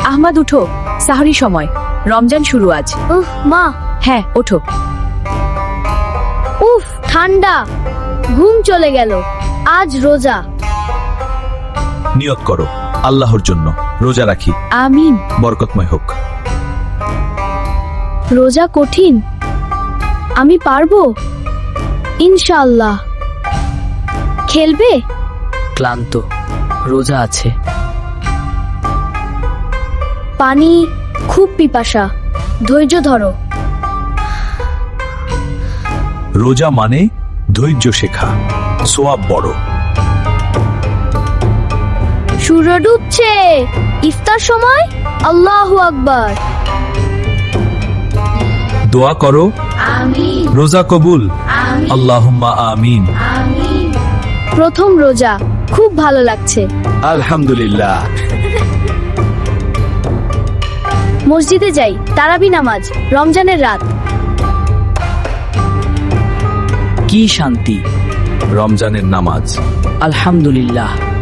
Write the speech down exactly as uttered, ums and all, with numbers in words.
আহমাদ উঠো, সাহরি সময়, রমজান শুরু আজ। উফ মা, হ্যাঁ ওঠো। উফ ঠান্ডা, ঘুম চলে গেল। আজ রোজা। নিয়ত করো, আল্লাহর জন্য রোজা রাখি, আমিন। বরকতময় হোক। রোজা কঠিন, আমি পারবো ইনশাআল্লাহ। খেলবে? ক্লান্ত, রোজা আছে। পানি, খুব পিপাসা, ধৈর্য ধরো। রোজা মানে ধৈর্য শেখা, সোয়াব বড়। সূর্য ডুবছে, ইফতার সময়। আল্লাহু আকবার। দোয়া করো, রোজা কবুল, আল্লাহুম্মা আমিন। প্রথম রোজা, খুব ভালো লাগছে। আলহামদুলিল্লাহ। মসজিদে যাই, তারাবি নামাজ, রমজানের রাত। কি শান্তি, রমজানের নামাজ। আলহামদুলিল্লাহ।